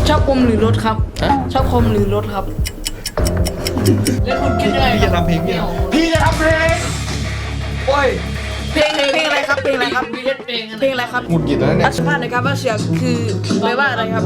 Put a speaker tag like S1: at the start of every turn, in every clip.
S1: ชอบคอมหรือรถครับชอบคอมหรือรถครับแล้วคุณคิดยังไง
S2: พี่จะทำเพลงพี่จะทำเพลงโอ้ย
S1: เพลงอะไรครับเพลงอะไรครับเพลงอะไรครับ
S2: หงุดหงิดแล้วเนี่ย
S1: สัมภาษณ์หนะครับว่าเสียงคือแปลว่าอะไรครับ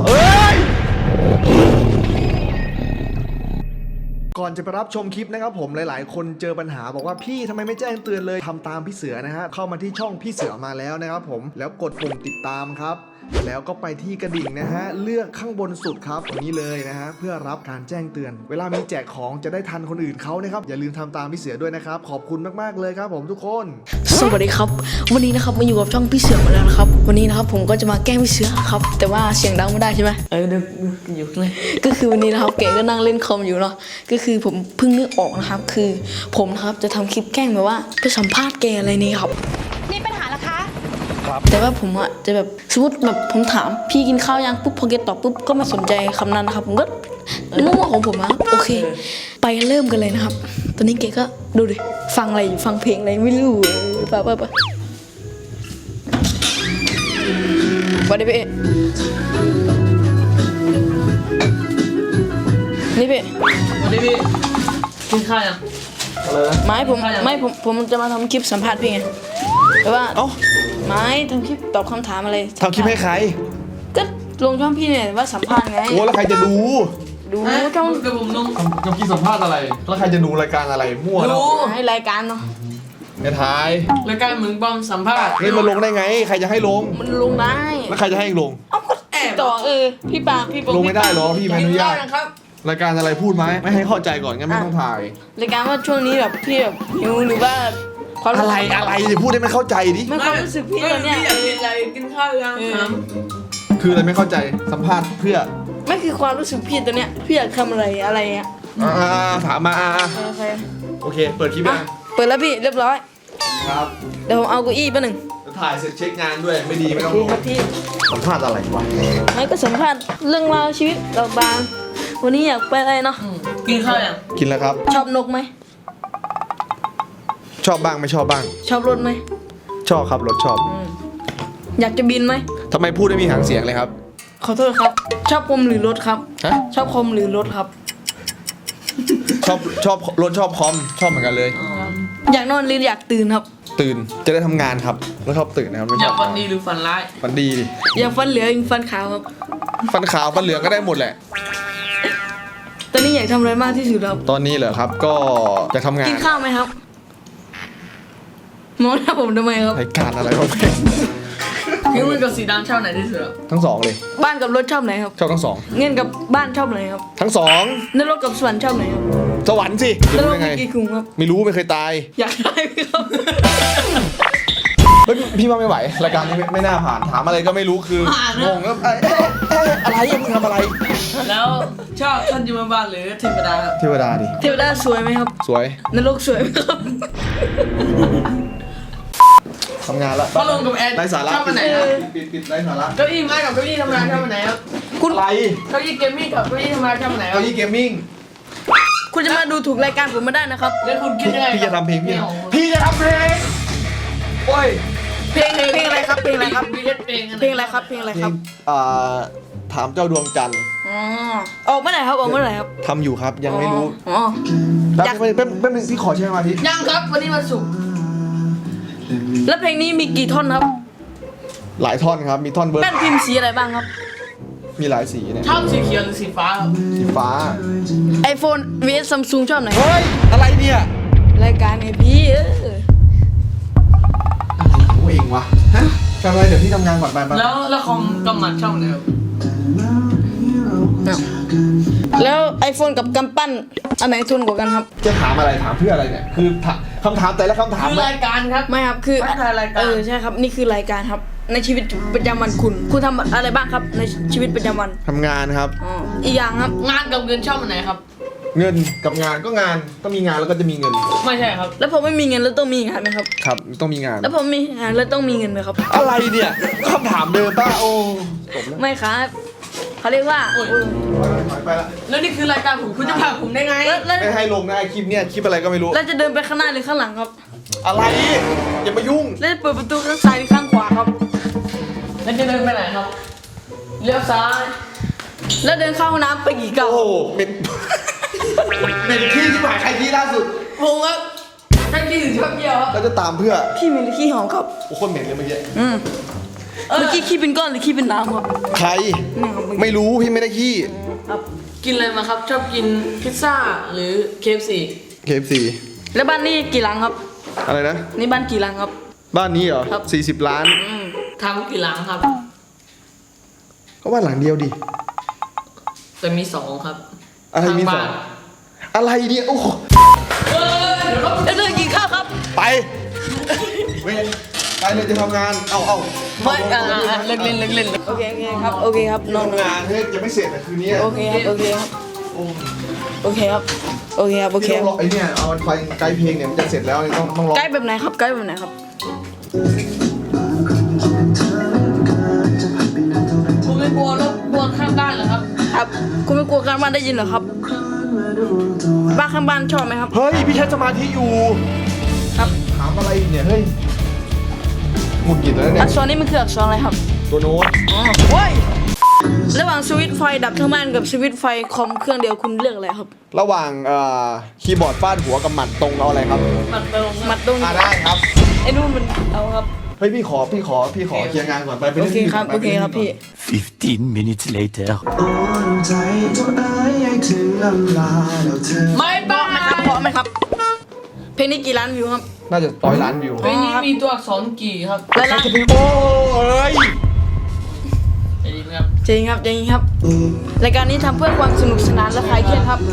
S3: ก่อนจะไปรับชมคลิปนะครับผมหลายๆ คนเจอปัญหาบอกว่าพี่ทำไมไม่แจ้งเตือนเลยทำตามพี่เสือนะฮะเข้ามาที่ช่องพี่เสือมาแล้วนะครับผมแล้วกดปุ่มติดตามครับแล้วก็ไปที่กระดิ่งนะฮะเลือกข้างบนสุดครับตรงนี้เลยนะฮะเพื่อรับการแจ้งเตือนเวลามีแจกของจะได้ทันคนอื่นเขานะครับอย่าลืมทำตามพี่เสือด้วยนะครับขอบคุณมากๆเลยครับผมทุกคน
S1: สวัสดีครับวันนี้นะครับมาอยู่กับช่องพี่เสือมาแล้วนะครับวันนี้นะครับผมก็จะมาแกล้งพี่เสือครับแต่ว่าเสียงดังไม่ได้ใช่ไหมเดี๋ยวอยู่เลยก็คือวันนี้นะครับแกก็นั่งเล่นคอมอยู่เนาะก็คือผมเพิ่งนึกออกนะครับคือผมนะครับจะทำคลิปแกล้งแบบว่าไปสัมภาษณ์แกอะไรนี่ครับ
S4: มีปัญหาเหรอคะ
S1: แต่ว่าผมอะจะแบบสมมติแบบผมถามพี่กินข้าวยังปุ๊บพอแกตอบปุ๊บก็ไม่สนใจคำนั้นนะครับผมก็มั่วๆของผมอะโอเค ไปเริ่มกันเลยนะครับ ตอนนี้แกก็ดูดิฟังอะไรอยู่ฟังเพลงอะไรไม่รู้ป่ะวันนี้พี่นี่พี่
S5: วันนี้พี่กินข้าวยัง
S1: ผมจะมาทำคลิปสัมภาษณ์พี่ไงแต่ว่า
S2: เอ้า
S1: ไม่ทำคลิปตอบคำถามอะไร
S2: ทำคลิปให้ใคร
S1: ก็ลงช่องพี่เนี่ยว่าสัมภาษณ์ไง
S2: โอ้แล้วใครจะดู
S1: ดูช่อง
S5: เดี๋ยวผมลง
S2: ทำคลิปสัมภาษณ์อะไรแล้วใครจะดูรายการอะไรมั่วแล้ว
S1: ให้รายการเนาะ
S2: เนี่ยถ่าย
S5: รายการมึงบอมสัมภาษณ์
S2: เฮ้ยมันลงได้ไงใครจะให้ลง
S1: มันลงได้
S2: แล้วใครจะให้ลง
S1: เอ้าก็แอบต่อพี่ปาพี่บอก
S2: ลงไม่ได้หรอพี่ไม่อนุญาต
S1: นะครับ
S2: รายการอะไรพูดไหมไม่ให้เข้าใจก่อนงั้นไม่ต้องถ่าย
S1: รายการว่าช่วงนี้แบบพี่แบบหิวหรือว่าความ
S2: อะไรดิพูดให้มันเข้าใจดิ
S1: ไม่ความรู้สึกพี่ตอนเนี้ย
S5: พี่อยากกินอะไรกินข้าวยังถาม
S2: คืออะไรไม่เข้าใจสัมภาษณ์เพื่อ
S1: ไม่คือความรู้สึกพี่ตอนเนี้ยพี่อยากทำอะไรเงี้ย
S2: ถามมา
S1: โอเค
S2: โอเค เปิดคลิป
S1: อ่ะ
S2: ยัง
S1: เปิดแล้วพี่เรียบร้อย
S2: ครับ
S1: เดี๋ยวผมเอาเก้าอี้แป๊บหนึง
S2: ถ่ายเสร็จเช็คงานด้วยไม่ดีไม่ต้อง
S1: โอเคครับพี่
S2: สัมภาษณ์อะไรวะ
S1: ไม่ก็สัมภาษณ์เรื่องราวชีวิตเราบางวันนี้อยากไปอะไรเนาะ
S5: กินข้าวยัง
S2: กินแล้วครับ
S1: ชอบนกไหม
S2: ชอบบ้างไม่ชอบบ้าง
S1: ชอบรถไหม
S2: ชอบครับรถชอบ
S1: อยากจะบินไหม
S2: ทำไมพูดไม่มีหางเสียงเลยครับ
S1: ขอโทษครับ ชอบคอมหรือรถครับ
S2: ฮะ
S1: ชอบคอมหรือรถครับ
S2: ชอบรถชอบคอมชอบเหมือนกันเลย
S1: อยากนอนหรืออยากตื่นครับ
S2: ตื่นจะได้ทำงานครับแล้วชอบตื่นนะครับไม่
S5: อ
S2: ช
S5: ยา
S2: อก บ
S5: ฝันดีหรือฝันร้าย
S2: ฝันดีดิ
S1: อยากฟันเหลืองฟันขาวครับ
S2: ฟันขาวฟันเหลืองก็ได้หมดแหละ
S1: ตอนนี้อยากทำอะไรมากที่สุดครับ
S2: ตอนนี้เหรอครับก็จะทำงาน
S1: กินข้าวไหมครับมองหน้าผมทำไมครับ
S2: รายการอะไรวะเนี่ย
S5: พี่มึงกับสีดำชอบไหนที่สุดอะ
S2: ทั้งสองเลย
S1: บ้านกับรถชอบไหนครับ
S2: ชอบทั้งสอง
S1: เงินกับบ้านชอบไหนครับ
S2: ทั้งสอง
S1: นรกกับสวรรค์ชอบไหนครับ
S2: สวรรค์สิ
S1: น
S2: จะ
S1: ร
S2: รู้
S1: ก
S2: ยังไง
S1: มีกี่ขุมครับ
S2: ไม่รู้ไม่เคยตาย
S1: อยากได้ไหมครับ
S2: เฮ้ยพี่ว่าไม่ไหวรายการนี้ไม่น่าผ่านถามอะไรก็ไม่รู้คืองงแล้วอะไรมึงทำอะไร
S5: แล้วชอบท่านยมบาลหรือเทวดาครับ
S2: เทวดาดิ
S1: เทวดาสวยไหมครับ
S2: สวย
S1: นรกสวยไหมครับ
S2: ทำงานละ
S5: พัดลมกับแอร์
S2: ไร้สาระ
S5: ชอบอันไหนครับ
S2: ปิดไร้สาระ
S5: เก้าอี้ไม้กับเก้าอี้ทำงานชอบอันไหนครับ
S2: อะไร
S5: เก้าอี้เกมมิ่งกับเก้าอี้ทำงานชอบอันไหนครั
S2: เก้า
S5: บ
S2: อี้เกมมิ่ง
S1: คุณจะมาดูถูกรายการผมไม่ได้นะครับ
S5: แล้วคุณคิดยังไง
S2: พี่จะทำเพลงพี่จะทำเพลงโอ้ย
S1: เพลงอะไรครับเพลงอะไรครับ
S5: พี่เล่นเพลงอันไหน
S1: เพลงอะไรครับเพลงอะไร
S2: เพล
S1: ครั
S2: ง
S1: บ
S2: ถามเจ้าดวงจันทร์
S1: อ๋อออกเมื่อไหร่ครับออกเมื่อไหร่ครับ
S2: ทำอยู่ครับยังไม่รู้
S1: อ๋อ
S2: แป๊บ
S1: อยาก
S2: แป๊บนึงพี่ขอใช้สมาธิ
S5: ยังครับวันนี้วันศุกร์
S1: แล้วเพลงนี้มีกี่ท่อนครับ
S2: หลายท่อนครับมีท่อนเบิร์ด
S1: แป้นพิมพ์สีอะไรบ้างครับ
S2: มีหลายสีเนี่ย
S5: ชอบสีเขียวหรือสีฟ้าครับ
S2: สีฟ้า
S1: iPhone vs Samsung ชอบไหน
S2: เฮ้ยอะไรเนี่ย
S1: รายการไงพี่
S2: อะไรของเองวะฮะทำอะไรเดี๋ยวพี่ทำงานก่อนไป
S5: แล้วคอมกำหมัดชอบไหนครับ
S1: แล้ว iPhone กับกำปั้นอันไหนทนกว่ากันครับ
S2: จะถามอะไรถามเพื่ออะไรเนี่ยคือคำถามแต่ละคำถาม
S5: คือรายการครับ
S1: ไม่ครับคือ
S5: ไม่ใช่รายการ
S1: ใช่ครับนี่คือรายการครับ ในชีวิตประจำวันคุณทำอะไรบ้างครับ ในชีวิตประจำวัน
S2: ทำงานครับ
S1: อ๋ออีกอย่างครับ
S5: งานกับเงินชอบอันไหนครับ
S2: เงินกับงานก็งานต้องมีงานแล้วก็จะมีเงิน
S5: ไม่ใช่ครับ
S1: แล้วผมไม่มีเงินแล้วต้องมีงานไหมครับ
S2: ครับต้องมีงาน
S1: แล้วผมมีงานแล้วต้องมีเงินไหมครับ
S2: อะไรเนี่ยคำถามเดิมป้าโอ้จบแล้ว
S1: ไม่ครับเขาเรียกว่า
S5: โอ้ย
S2: ถอยไปละ
S5: แล้วนี่คือรายการผมคุณจะผลักผมได้ไง
S1: แล้ว
S2: ไม่ให้ลงนะไอคลิปเนี่ยคลิปอะไรก็ไม่รู้
S1: แล้วจะเดินไปข้างหน้าหรือข้างหลังครับ
S2: อะไรอย่ามายุ่ง
S1: แล้วจะเปิดประตูข้างซ้ายหรือข้างขวาครับ
S5: แล้วจะเดินไปไหนครับ เลี้ยวซ้าย
S1: แล้วเดินเข้าห้องน้ำไปกี่ก้าว
S2: โอ้เป็น เป็นขี้ที่หมายใครขี้ล่าสุด
S1: ผมครับท่านพี่ถึงชอบเยี่ยวครับ
S2: แล้วจะตามเพื่อ
S1: ขี้เหม็นหรือขี้หอมครับ
S2: โอ้คนเหม็นเลยเมื่อกี้
S1: เมื่อกี้ขี้เป็นก้อนหรือขี้เป็นน้ำครับ
S2: ใคร ไม่รู้พี่ไม่ได้ขี้
S5: กินอะไรมาครับ ชอบกินพิซซ่าหรือ KFC
S2: KFC
S1: แล้วบ้านนี้กี่หลังครับ
S2: อะไรนะ
S1: นี่บ้านกี่หลังครับ
S2: บ้านนี้เหรอ
S1: ครับ
S2: 40 ล้าน
S5: ทำกี่หลังครับ
S2: ก็บ้านหลังเดียวดิ
S5: แต่มี2 ครับ
S2: อะไรมีส
S5: ทา
S2: อง
S5: บ้าน
S2: อะไรเนี่ยโอ้โห
S1: แล้วเดินกินข้าวครับ
S2: ไปเว้ยไปเลยจะทำงาน เอา
S1: ไม่เลิกเล่นเลิกเล่นโอเคครับโอเคครับนอน
S2: ทำงานเฮ้ยยังไม่เสร็จแต่คืนนี้
S1: โอเคครับโอเคครับโอเคครับโอเคครับโอเค
S2: พี่ต้องรอไอ้เนี่ยเอาไฟไกด์เพลงเนี่ยมันจะเสร็จแล้วเนี่ยต้องรอ
S1: ใกล้แบบไหนครับใกล้แบบไหนครับ
S5: คุณไม่กลัวรบกวนข้างบ้านเหรอครับ
S1: ครับคุณไม่กลัวการบ้านได้ยินเหรอครับบ้านข้างบ้านชอบไหมครับ
S2: เฮ้ยพี่ใช้สมาธิอยู่
S1: ครับ
S2: ถามอะไรอีกเนี่ยเฮ้ยหงุดหงิดแล้วเนี่
S1: อั
S2: ย
S1: กษรนี้มันคืออักษรอะไรครับ
S2: ตัวโน้ต
S1: อ๋อเว้ยระหว่างสวิตช์ไฟดับทั้งบ้านกับสวิตช์ไฟคอมเครื่องเดียวคุณเลือกอะไรครับ
S2: ระหว่างคีย์บอร์ดฟาดหัวกับหมัดตรงเอาอะไรครับ
S5: มันตรง
S1: มัดตรง
S2: ได้ครับ
S1: ไอ้นู่นมันเอาครับ
S2: เฮ้ยพี่ขอเคลียร์งานก่อนไปไป
S1: โอ
S2: ล่น
S1: เค
S2: ที่
S1: ครับ
S2: ก่น
S1: โอ
S2: ไป
S1: เค
S2: ไปล่น
S1: ครับ
S2: ที่
S1: พี่
S4: 15 minutes later.
S5: ไม่ต้อง
S1: นะครับเพราะไหมครับ เพลงนี้กี่ล้านวิวครับ
S2: น่าจะ100 ล้านวิว
S5: เพลงนี้มีตัวอักษรกี่ครับ
S1: แล้วล้าน
S2: โอ้เอ้ย
S5: จะดีไหมครับ
S1: จริงครับจริงครับรายการนี้ทำเพื่อความสนุกสนานและคลายเครียดครับ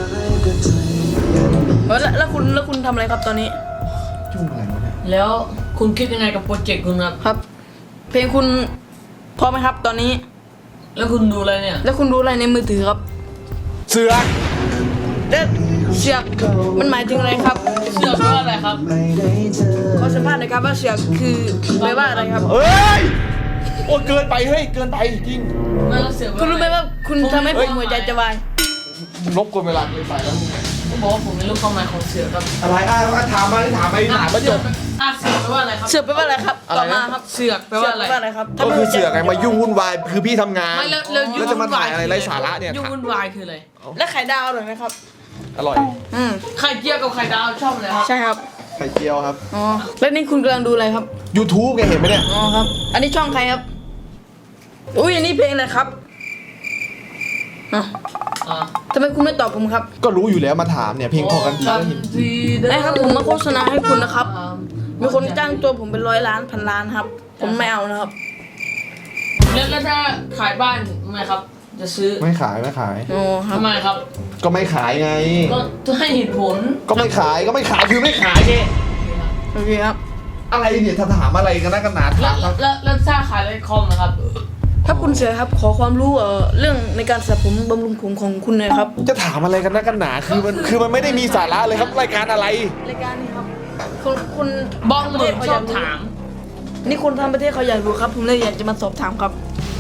S1: แล้วคุณทำอะไรครับตอนนี้
S2: ยุ่งอะไรวะเนี่ย
S5: แล้วคุณคิดยังไงกับโปรเจกต์คุณครับ
S1: ครับ เพลงคุณพร้อมไหมครับตอนนี้
S5: แล้วคุณดูอะไรเนี่ย
S1: แล้วคุณรู้อะไรในมือถือครับ
S2: เสือ
S1: แล้วเสือกมันหมายถึงอะไรครับ
S5: เสื้อเพราะอะไรครับ
S1: ขอสัมภาษณ์หน่อยครับว่าเสือกคือแปลว่าอะไรครับ
S2: เฮ้ยโอ้เกินไปเฮ้ยเกินไปจริง
S5: ไม่แล้วเสื้อ
S1: คุณรู้ไหมว่าคุณทำให้ผมหัวใจจะวาย
S2: รบกวนเวลาเกินไปแล้ว
S5: ผมบอกว่าผมไม่รู้ความหมายของเสือครับ
S2: อะไรถามมาจบ
S5: เสือแปลว่าอะไรครับ
S1: เสือกแปลว่าอะไรครับ
S2: อะไรนะ
S1: ต่อมาครับ
S5: เสือกแปลว่าอะไร
S1: เสืกแปลว่าอะไรครับ
S2: ก็คือเสือกไงมายุ่งวุ่นวายคือพี่ทำงาน
S5: ไม่แล้ว
S2: แล้วจะมาถ่ายอะไรไร้สาระเนี่ย
S5: ยุ่งวุ่นวายคืออะไร
S1: และไข่ดาวอร่อยไหมครับ
S2: อร่อย
S5: ไข่เจียวกับไข่ดาวชอบอะไรครับ
S1: ใช่ครับ
S2: ไข่เจียวครับ
S1: อ๋อแล้วนี่คุณกำลังดูอะไรครับ
S2: YouTube แกเห็นไหมเนี่ย
S1: อ๋อครับ อันนี้ช่องใครครับ อุ้ยอันนี้เพลงอะไรครับอ้าว
S5: อ่า
S1: ทำไมคุณไม่ตอบผมครับ
S2: ก็รู้อยู่แล้วมาถามเนี่ยเพลงพอกันทีก็เห็น
S1: ได้ครับผมมาโฆษณาให้คุณนะครับ มีคนจ้างตัวผมเป็น100 ล้านพันล้านครับ ผมไม่เอานะครับ
S5: แล้วถ้าขายบ้านทำไมครับ จะซื้อ
S2: ไม่ขาย
S1: อ๋อครับ
S5: ทำไมครับ
S2: ก็ไม่ขายไง
S5: ก็ให้เหตุผล
S2: ก็ไม่ขายคือไม่ขายไง
S1: โอเคครับ
S2: อะไรเนี่ยถ้าถามอะไรกันนะกันหนา
S5: แล้
S2: ถาว มครับ
S5: แล้วถ้าขายในคอมนะครับ
S1: ถ้าคุณเสือครับ ขอความรู้เรื่องในการสระผมบำรุงผมของคุณหน่อยครับ
S2: จะถามอะไรกันนะกันหนาคือมันไม่ได้มีสาระเลยครับรายการอะไร
S1: รายการนี้ครับคุณ
S5: บ้องเหมือนชอบถาม
S1: นี่คนทางประเทศเขาอยากรู้ครับ ผมเลยอยากจะมาสอบถามครับ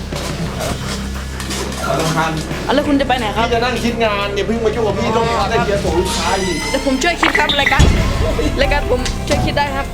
S2: สำคัญ
S1: แล้วคุณจะไปไหนครับ
S2: พี่จะนั่งคิดงานอย่าเพิ่งมายุ่งกับพี่ต้องได้เคลียร์ส่งลูกค้าอีก
S1: เดี๋ยวผมช่วยคิดครับรายการผมช่วยคิดได้ครับ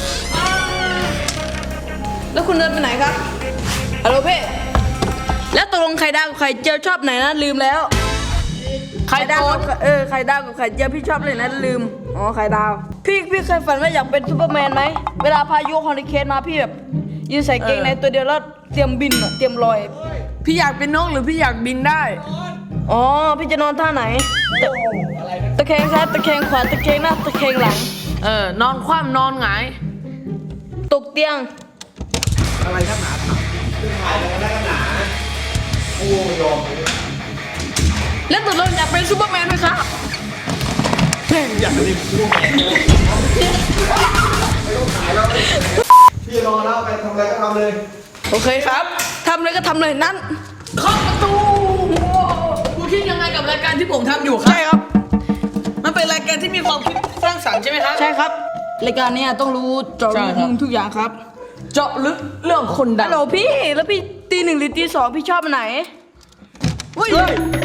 S1: แล้วคุณเดินไปไหนครับฮัลโหลเพ่แล้วตกลงไข่ดาวกับไข่เจียวชอบไหนนะลืมแล้วไข่ดาวกับไข่ดาวกับไข่เจียวพี่ชอบเลยนะลืมอ๋อไข่ดาวพี่เคยฝันว่าอยากเป็นซูเปอร์แมนไหมเวลาพายุฮอริเคนมาพี่แบบยืนใส่เกงในตัวเดียวแล้วเตรียมบินอะเตรียมลอย
S5: พี่อยากเป็นนกหรือพี่อยากบินได้
S1: อ๋อพี่จะนอนท่าไหนตะแคงซ้ายตะแคงขวาตะแคงหน้าตะแคงหลัง
S5: นอนคว่ำนอนหงาย
S1: ตกเตียง
S2: อะไรนักหนาถามถ่ายอะไรกันนักหนาโอ้ยอม
S1: แล้วตกลงอยากเป็นซูเปอร์แมนไหมครับ
S2: อยากเรียนรู้แมนเลยไม่ต้องขายแล้วพี่รอแล้วไปทำอะไรก็ทำเลย
S1: โอเคครับทำเลยก็ทำเลยนั่น
S5: เข้าประตูคุณคิดยังไงกับรายการที่ผมทำอยู่ครับ
S1: ใช่ครับ
S5: มันเป็นรายการที่มีความคิดสร้างสรรค์ใช่ไหมครับ
S1: ใช่ครับรายการเนี้ยต้องรู้เจาะ
S5: ใช่
S1: ลึก
S5: ครับ
S1: มุมทุกอย่างครับ
S5: เจาะลึกเรื่องคนดั
S1: ฮั
S5: ง
S1: ลโหลพี่แล้วพี่ตี 1หรือตี 2พี่ชอบอันไหนเฮ้ย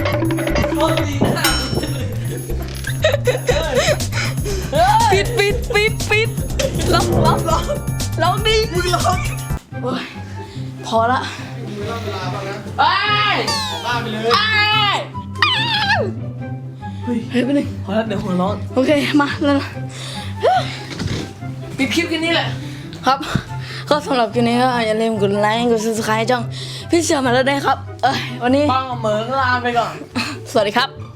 S1: ปิดล็อกดิมึงล็อกพอละ
S2: ล่ำเวลาบ้างนะ
S5: เอ้ย
S2: ออกบ้านไปเลย
S5: เอ้ย
S1: เฮ้ยไปหนึ่ง
S5: ขอแล้วเดี๋ยวหัวร้อน
S1: โอเคมาแล้วนะ
S5: ปิดคลิปกันนี่แหละ
S1: ครับก็สำหรับคลิปนี้ก็อย่าลืมกดไลค์กด subscribe ช่องพี่เสือมาแล้วได้ครับวันนี้
S5: ปังกับเหมืองลาไปก่อน
S1: สวัสดีครับ